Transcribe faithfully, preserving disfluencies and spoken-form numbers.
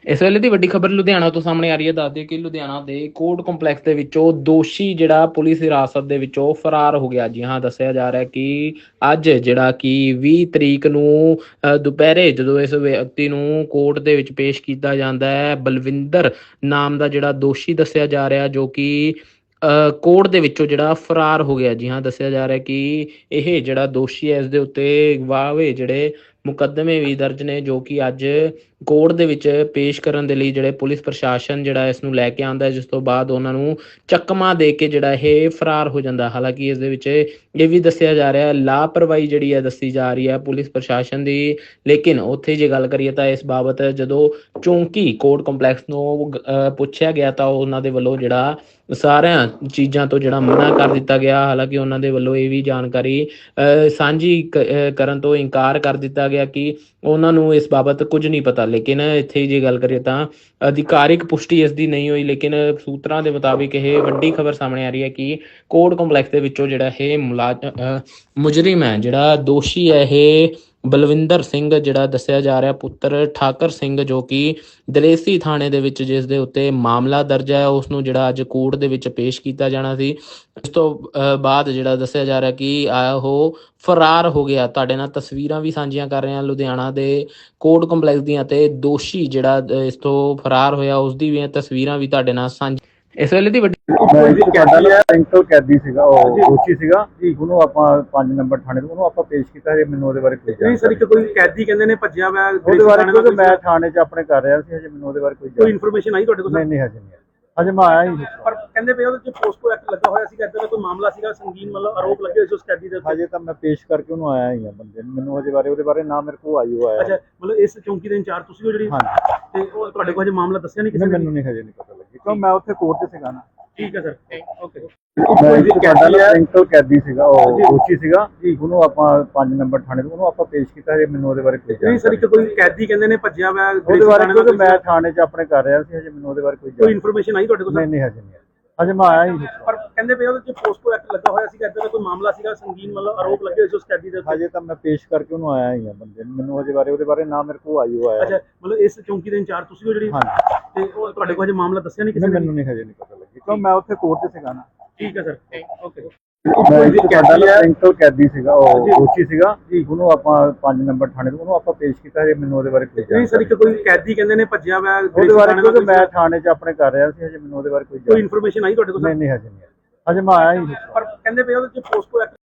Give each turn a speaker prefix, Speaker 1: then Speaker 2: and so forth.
Speaker 1: ਇਸ ਵੇਲੇ ਦੀ ਵੱਡੀ ਖਬਰ ਲੁਧਿਆਣਾ ਤੋਂ ਸਾਹਮਣੇ ਆ ਰਹੀ ਹੈ। ਦੱਸ ਦਈਏ ਕਿ ਲੁਧਿਆਣਾ ਦੇ ਕੋਰਟ ਕੰਪਲੈਕਸ ਦੇ ਵਿੱਚੋਂ ਦੋਸ਼ੀ ਜਿਹੜਾ ਪੁਲਿਸ ਹਿਰਾਸਤ ਦੇ ਵਿੱਚੋਂ ਫਰਾਰ ਹੋ ਗਿਆ। ਜੀ ਹਾਂ, ਦੱਸਿਆ ਜਾ ਰਿਹਾ ਕਿ ਅੱਜ ਜਿਹੜਾ ਕਿ ਵੀਹ ਤਰੀਕ ਨੂੰ ਅ, ਦੁਪਹਿਰੇ ਜਦੋਂ ਇਸ ਵਿਅਕਤੀ ਨੂੰ ਕੋਰਟ ਦੇ ਵਿੱਚ ਪੇਸ਼ ਕੀਤਾ ਜਾਂਦਾ ਹੈ, ਬਲਵਿੰਦਰ ਨਾਮ ਦਾ ਜਿਹੜਾ ਦੋਸ਼ੀ ਦੱਸਿਆ ਜਾ ਰਿਹਾ, ਜੋ ਕਿ ਅ, ਕੋਰਟ ਦੇ ਵਿੱਚੋਂ ਜਿਹੜਾ ਫਰਾਰ ਹੋ ਗਿਆ। ਜੀ ਹਾਂ, ਦੱਸਿਆ ਜਾ ਰਿਹਾ ਕਿ ਇਹ ਜਿਹੜਾ ਦੋਸ਼ੀ ਹੈ, ਇਸ ਦੇ ਉੱਤੇ ਵਾਹਵੇ ਜਿਹੜੇ ਮੁਕੱਦਮੇ ਵੀ ਦਰਜ ਨੇ, ਜੋ ਕਿ ਅੱਜ ਕੋਰਟ ਦੇ ਵਿੱਚ ਪੇਸ਼ ਕਰਨ ਦੇ ਲਈ ਜਿਹੜੇ ਪੁਲਿਸ ਪ੍ਰਸ਼ਾਸਨ ਜਿਹੜਾ ਇਸ ਨੂੰ ਲੈ ਕੇ ਆਉਂਦਾ, ਜਿਸ ਤੋਂ ਬਾਅਦ ਉਹਨਾਂ ਨੂੰ ਚੱਕਮਾ ਦੇ ਕੇ ਜਿਹੜਾ ਇਹ ਫਰਾਰ ਹੋ ਜਾਂਦਾ। ਹਾਲਾਂਕਿ ਇਸ ਦੇ ਵਿੱਚ ਇਹ ਵੀ ਦੱਸਿਆ ਜਾ ਰਿਹਾ ਲਾਪਰਵਾਹੀ ਜਿਹੜੀ ਹੈ ਦੱਸੀ ਜਾ ਰਹੀ ਹੈ ਪੁਲਿਸ ਪ੍ਰਸ਼ਾਸਨ ਦੀ। ਲੇਕਿਨ ਉੱਥੇ ਜੇ ਗੱਲ ਕਰੀਏ ਤਾਂ ਇਸ ਬਾਬਤ ਜਦੋਂ ਚੌਂਕੀ ਕੋਰਟ ਕੰਪਲੈਕਸ ਨੂੰ ਅ, ਪੁੱਛਿਆ ਗਿਆ ਤਾਂ ਉਹਨਾਂ ਦੇ ਵੱਲੋਂ ਜਿਹੜਾ ਸਾਰਿਆਂ ਚੀਜ਼ਾਂ ਤੋਂ ਜਿਹੜਾ ਮਨਾ ਕਰ ਦਿੱਤਾ ਗਿਆ। ਹਾਲਾਂਕਿ ਉਹਨਾਂ ਦੇ ਵੱਲੋਂ ਇਹ ਵੀ ਜਾਣਕਾਰੀ ਅ, ਸਾਂਝੀ ਕ- ਅ, ਕਰਨ ਤੋਂ ਇਨਕਾਰ ਕਰ ਦਿੱਤਾ ਗਿਆ ਕਿ ਉਹਨਾਂ ਨੂੰ ਇਸ ਬਾਬਤ ਕੁਝ ਨਹੀਂ ਪਤਾ। ਲੇਕਿਨ ਇੱਥੇ ਜੇ ਗੱਲ ਕਰੀਏ ਤਾਂ ਅਧਿਕਾਰਿਕ ਪੁਸ਼ਟੀ ਇਸ ਦੀ ਨਹੀਂ ਹੋਈ। ਲੇਕਿਨ ਸੂਤਰਾਂ ਦੇ ਮੁਤਾਬਿਕ ਇਹ ਵੱਡੀ ਖਬਰ ਸਾਹਮਣੇ ਆ ਰਹੀ ਹੈ ਕਿ ਕੋਰਟ ਕੰਪਲੈਕਸ ਦੇ ਵਿੱਚੋਂ ਜਿਹੜਾ ਇਹ ਮੁਲਾਜ਼ਮ ਮੁਜਰਿਮ ਹੈ, ਜਿਹੜਾ ਦੋਸ਼ੀ ਹੈ, ਇਹ ਬਲਵਿੰਦਰ ਸਿੰਘ ਜਿਹੜਾ ਦੱਸਿਆ ਜਾ ਰਿਹਾ, ਪੁੱਤਰ ਠਾਕਰ ਸਿੰਘ, ਜੋ ਕਿ ਦਲੇਸੀ ਥਾਣੇ ਦੇ ਵਿੱਚ ਜਿਸ ਦੇ ਉੱਤੇ ਮਾਮਲਾ ਦਰਜ ਹੈ, ਉਸ ਨੂੰ ਜਿਹੜਾ ਅੱਜ ਕੋਰਟ ਦੇ ਵਿੱਚ ਪੇਸ਼ ਕੀਤਾ ਜਾਣਾ ਸੀ। ਇਸ ਤੋਂ ਅ, ਬਾਅਦ ਜਿਹੜਾ ਦੱਸਿਆ ਜਾ ਰਿਹਾ ਕਿ ਆ ਉਹ ਫਰਾਰ ਹੋ ਗਿਆ। ਤੁਹਾਡੇ ਨਾਲ ਤਸਵੀਰਾਂ ਵੀ ਸਾਂਝੀਆਂ ਕਰ ਰਹੇ ਹਾਂ ਲੁਧਿਆਣਾ ਦੇ ਕੋਰਟ ਕੰਪਲੈਕਸ ਦੀਆਂ, ਤੇ ਦੋਸ਼ੀ ਜਿਹੜਾ ਅ, ਇਸ ਤੋਂ ਫਰਾਰ ਹੋਇਆ ਉਸ ਦੀ ਵੀ ਤਸਵੀਰਾਂ ਵੀ ਤੁਹਾਡੇ ਨਾਲ ਸਾਂਝੀ। ਇਸ ਵੇਲੇ ਦੀ ਵੱਡੀ
Speaker 2: ਮੈਂ ਜੀ ਸਾਡਾ ਨਾ ਸੈਂਟਰਲ ਕੈਦੀ ਸੀਗਾ, ਉਹ ਦੋਸ਼ੀ ਸੀਗਾ ਜੀ। ਉਹਨੂੰ ਆਪਾਂ ਪੰਜ ਨੰਬਰ ਥਾਣੇ ਤੋਂ ਉਹਨੂੰ ਆਪਾਂ ਪੇਸ਼ ਕੀਤਾ ਜੇ। ਮੈਨੂੰ ਉਹਦੇ ਬਾਰੇ ਕੋਈ
Speaker 3: ਨਹੀਂ ਸਰ, ਇੱਕ ਕੋਈ ਕੈਦੀ ਕਹਿੰਦੇ ਨੇ ਭੱਜਿਆ ਵਾ
Speaker 2: ਉਹਦੇ ਬਾਰੇ, ਕਿਉਂਕਿ ਮੈਂ ਥਾਣੇ 'ਚ ਆਪਣੇ ਕਰ ਰਿਹਾ ਸੀ, ਹਜੇ ਮੈਨੂੰ ਉਹਦੇ ਬਾਰੇ ਕੋਈ
Speaker 3: ਕੋਈ ਇਨਫੋਰਮੇਸ਼ਨ ਆਈ ਤੁਹਾਡੇ ਕੋਲ?
Speaker 2: ਨਹੀਂ ਨਹੀਂ ਹਜੇ ਨਹੀਂ, ਹਜੇ ਮੈਂ ਆਇਆ ਹੀ।
Speaker 3: ਪਰ ਕਹਿੰਦੇ ਪਏ ਉਹਦੇ ਚ ਪੋਸਕੋ ਐਕਟ ਲੱਗਾ ਹੋਇਆ ਸੀਗਾ, ਇਦਾਂ ਦਾ ਕੋਈ ਮਾਮਲਾ ਸੀਗਾ, ਸੰਗੀਨ ਮਤਲਬ ਆਰੋਪ ਲੱਗੇ ਹੋਏ ਸੀ ਉਸ ਕੈਦੀ ਦੇ ਉੱਤੇ।
Speaker 2: ਹਜੇ ਤਾਂ ਮੈਂ ਪੇਸ਼ ਕਰਕੇ ਉਹਨੂੰ ਆਇਆ ਹੀ ਆ ਬੰਦੇ ਨੂੰ। ਮੈਨੂੰ ਹਜੇ ਬਾਰੇ ਉਹਦੇ ਬਾਰੇ ਨਾ ਮੇਰੇ ਕੋਲ ਆਈ ਹੋਇਆ।
Speaker 3: ਅੱਛਾ, ਮਤਲਬ ਇਸ ਚੌਂਕੀ ਦੇ ਇੰਚਾਰਜ ਤੁਸੀਂ ਹੋ ਜਿਹੜੀ?
Speaker 2: ਹਾਂਜੀ।
Speaker 3: ਤੇ ਉਹ ਤੁਹਾਡੇ ਕੋਲ ਹਜੇ ਮਾਮਲਾ ਦੱਸਿਆ ਨਹੀਂ ਕਿਸੇ ਨੇ?
Speaker 2: ਮੈਨੂੰ ਨਹੀਂ ਹਜੇ ਨਹੀਂ ਪਤਾ ਲੱਗੀ, ਕਿਉਂ ਮੈਂ ਉੱਥੇ ਕੋਰਟ 'ਚ ਸੀਗਾ ਨਾ।
Speaker 3: ਠੀਕ ਹੈ ਸਰ, ਓਕੇ।
Speaker 2: ਮੈਂ ਜੀ ਸਾਡਾ ਨਾ ਸੈਂਟਰਲ ਕੈਦੀ ਸੀਗਾ, ਉਹ ਦੋਸ਼ੀ ਸੀਗਾ ਜੀ। ਉਹਨੂੰ ਆਪਾਂ ਪੰਜ ਨੰਬਰ ਥਾਣੇ ਤੋਂ ਉਹਨੂੰ ਆਪਾਂ ਪੇਸ਼ ਕੀਤਾ ਜੇ। ਮੈਨੂੰ ਉਹਦੇ ਬਾਰੇ ਕੋਈ
Speaker 3: ਨਹੀਂ ਸਰ, ਇੱਕ ਕੋਈ ਕੈਦੀ ਕਹਿੰਦੇ ਨੇ ਭੱਜਿਆ ਵਾ
Speaker 2: ਉਹਦੇ ਬਾਰੇ, ਕਿਉਂਕਿ ਮੈਂ ਥਾਣੇ 'ਚ ਆਪਣੇ ਕਰ ਰਿਹਾ ਸੀ, ਹਜੇ ਮੈਨੂੰ ਉਹਦੇ ਬਾਰੇ ਕੋਈ
Speaker 3: ਕੋਈ ਇਨਫੋਰਮੇਸ਼ਨ ਆਈ ਤੁਹਾਡੇ ਕੋਲ?
Speaker 2: ਨਹੀਂ ਨਹੀਂ ਹਜੇ ਨਹੀਂ, ਹਜੇ ਮੈਂ ਆਇਆ ਹੀ।
Speaker 3: ਪਰ ਕਹਿੰਦੇ ਪਏ ਉਹਦੇ ਚ ਪੋਸਕੋ ਐਕਟ ਲੱਗਾ ਹੋਇਆ ਸੀਗਾ, ਇਦਾਂ ਦਾ ਕੋਈ ਮਾਮਲਾ ਸੀਗਾ, ਸੰਗੀਨ ਮਤਲਬ ਆਰੋਪ ਲੱਗੇ ਹੋਏ ਸੀ ਉਸ ਕੈਦੀ ਦੇ ਉੱਤੇ।
Speaker 2: ਹਜੇ ਤਾਂ ਮੈਂ ਪੇਸ਼ ਕਰਕੇ ਉਹਨੂੰ ਆਇਆ ਹੀ ਆ ਬੰਦੇ ਨੂੰ। ਮੈਨੂੰ ਹਜੇ ਬਾਰੇ ਉਹਦੇ ਬਾਰੇ ਨਾ ਮੇਰੇ ਕੋਲ ਆਈ ਹੋਇਆ।
Speaker 3: ਅੱਛਾ, ਮਤਲਬ ਇਸ ਚੌਂਕੀ ਦੇ ਇੰਚਾਰਜ ਤੁਸੀਂ ਹੋ ਜਿਹੜੀ?
Speaker 2: ਹਾਂਜੀ।
Speaker 3: ਤੇ ਉਹ ਤੁਹਾਡੇ ਕੋਲ ਹਜੇ ਮਾਮਲਾ ਦੱਸਿਆ ਨਹੀਂ ਕਿਸੇ ਨੇ?
Speaker 2: ਮੈਨੂੰ ਨਹੀਂ ਹਜੇ ਨਹੀਂ ਪਤਾ ਲੱਗੀ, ਕਿਉਂ ਮੈਂ ਉੱਥੇ ਕੋਰਟ 'ਚ ਸੀਗਾ ਨਾ।
Speaker 3: ਠੀਕ ਹੈ ਸਰ, ਓਕੇ।
Speaker 2: ਮੈਂ ਜੀ ਸਾਡਾ ਨਾ ਸੈਂਟਰਲ ਕੈਦੀ ਸੀਗਾ, ਉਹ ਦੋਸ਼ੀ ਸੀਗਾ ਜੀ। ਉਹਨੂੰ ਆਪਾਂ ਪੰਜ ਨੰਬਰ ਥਾਣੇ ਤੋਂ ਉਹਨੂੰ ਆਪਾਂ ਪੇਸ਼ ਕੀਤਾ ਜੇ। ਮੈਨੂੰ ਉਹਦੇ ਬਾਰੇ ਕੋਈ
Speaker 3: ਨਹੀਂ ਸਰ, ਇੱਕ ਕੋਈ ਕੈਦੀ ਕਹਿੰਦੇ ਨੇ ਭੱਜਿਆ ਵਾ
Speaker 2: ਉਹਦੇ ਬਾਰੇ, ਕਿਉਂਕਿ ਮੈਂ ਥਾਣੇ 'ਚ ਆਪਣੇ ਕਰ ਰਿਹਾ ਸੀ, ਹਜੇ ਮੈਨੂੰ ਉਹਦੇ ਬਾਰੇ ਕੋਈ
Speaker 3: ਕੋਈ ਇਨਫੋਰਮੇਸ਼ਨ ਆਈ ਤੁਹਾਡੇ ਕੋਲ?
Speaker 2: ਨਹੀਂ ਨਹੀਂ ਹਜੇ ਨਹੀਂ, ਹਜੇ ਮੈਂ ਆਇਆ ਹੀ।
Speaker 3: ਪਰ ਕਹਿੰਦੇ ਪਏ ਉਹਦੇ ਚ ਪੋਸਕੋ ਐਕਟ